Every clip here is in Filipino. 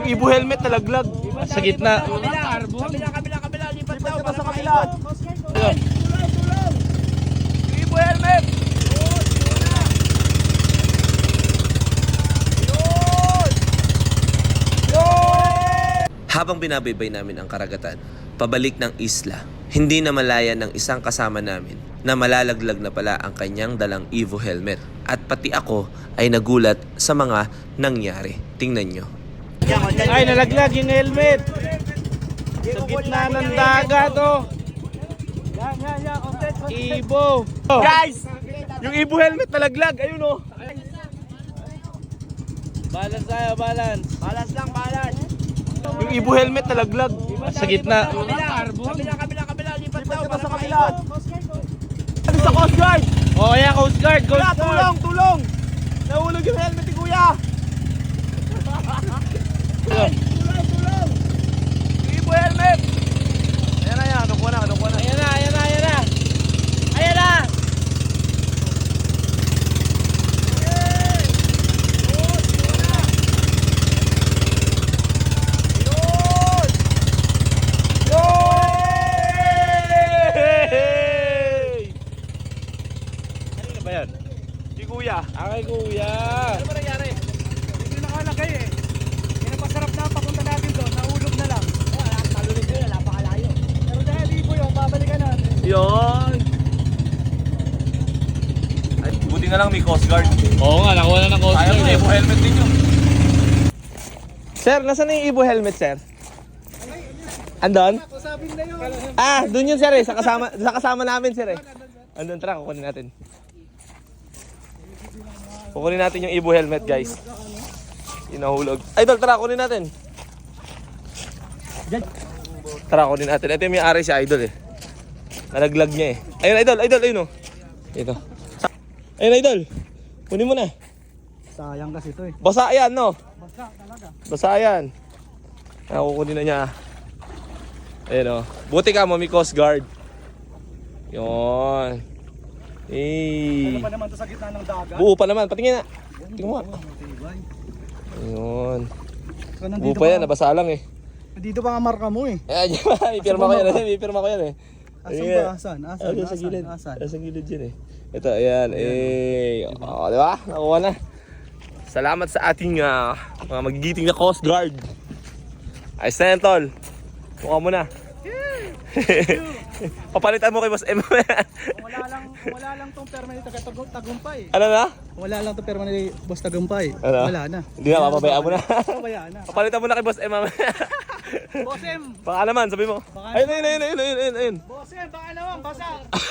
Yung Ibo helmet nalaglag. Sa gitna. Kabila. Lipat daw para sa kabila. Tulong. Ibo helmet. Habang binabaybay namin ang karagatan, pabalik ng isla, hindi na malaya ng isang kasama namin na malalaglag na pala ang kanyang dalang Evo helmet. At pati ako ay nagulat sa mga nangyari. Tingnan nyo. Ay, nalaglag yung helmet. Sa gitna ng dagat, oh. Ibo. Guys, yung Ibo helmet nalaglag. Ayun, oh. Balance tayo, balance. Balance lang. Yung Ibo helmet nalaglag. Sa gitna. Kabila. Lipat daw para sa kabila. Ano sa Coast Guard? Oh, yeah, Coast Guard. Tulong. Nahulog yung helmet ni Kuya. Tulong. Ibo helmet. Ayan na yan. Nakuha na. Ayan na. Ba yan? Si Kuya. Kay Kuya. Ano ba nangyari? Hindi nakalagay eh. Yan ang pasarap na papunta natin doon. Nahulog na lang. Talunin ko yun. Napakalayo. Pero dahil Ibo yun, babalikan natin. Yun. Ay, buti nga lang may Coast Guard. Oo nga, nakuha na ng Coast Ayaw mo, Evo helmet din yun. Sir, nasaan na yung Ibo helmet, sir? Andon? Ah, dun yun, sir, eh. Sa kasama namin, sir, eh. Andun, tara, kukunin natin. Kukunin natin yung Ibo helmet, guys. Inahulog. Idol, tara, kunin natin. Tara, kunin natin. Ito yung may-ari si Idol, eh. Nalaglag niya, eh. Ayun, Idol, ayun, oh. Ito. Ayun, Idol. Kunin mo na. Sayang kasi ito eh. Basa yan, no? Basta talaga. Basa yan. Kukunin na niya. Ayun, oh. Buti ka mo, may Coast Guard. Yun. Ano pa naman to sa gitna ng dagat? Buo pa naman. Patingin na. Tingnan mo. Ayun. Buo pa yan. Nabasa lang, eh. Dito pa nga marka mo eh. Ayan, may pirma ko yan. May pirma ko yan, eh. Asan? Sa gilid. Sa gilid yan, eh. Ito, ayan. Oh, di ba? Nakuha na. Salamat sa ating mga magigiting na Coast Guard. Ay, Sentol. Mukha mo na. Papalitan mo kay Boss M. wala lang tong perma ni Tagumpay. Ano na? Wala lang tong perma ni Boss Tagumpay. Ano? Wala na. Hindi na, papabayaan mo na. Papabayaan na. Papalitan mo na kay Boss M. Boss M! Baka naman, sabi mo. Ayun. Boss M, baka naman, basa!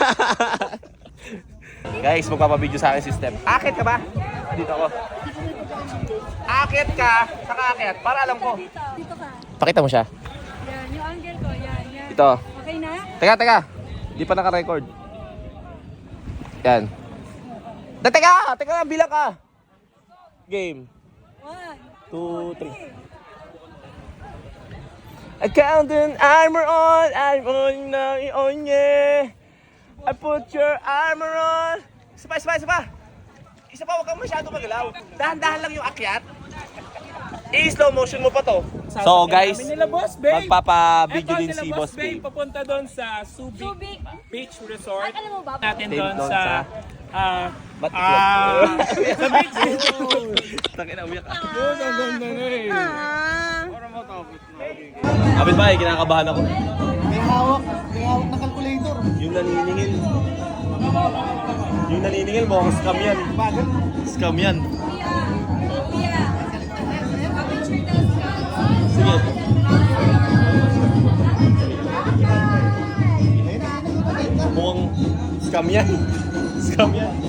Guys, magpapabideo sa akin system. Akit ka ba? Dito ako. Akit ka, saka akit, para alam ko. Dito ka. Pakita mo siya. Yan, yung angle ko. Yan. Ito. Okay na? Teka. Hindi pa naka-record. Yan. Teka, bilang ka. Game. 1, 2, 3. I count an armor on, I'm on, yeah. I put your armor on. Isa pa. Isa pa, huwag kang masyado magalaw. Dahan-dahan lang yung akyat. I-slow motion mo pa to. So guys, magpapa-video din si Boss Babe. Papunta doon sa Subic Subic. Beach Resort. At alam mo ba? Natin Dave doon doon sa sa beach. Takin na, umiyak ka. Ang ganda na eh. Kapit ba, kinakabahan ako. May hawak na calculator. Yung naniningil mo, scam yan. Scam yan. Kuya. Picture daw. Sige. Mukhang scam yan. Scam yan.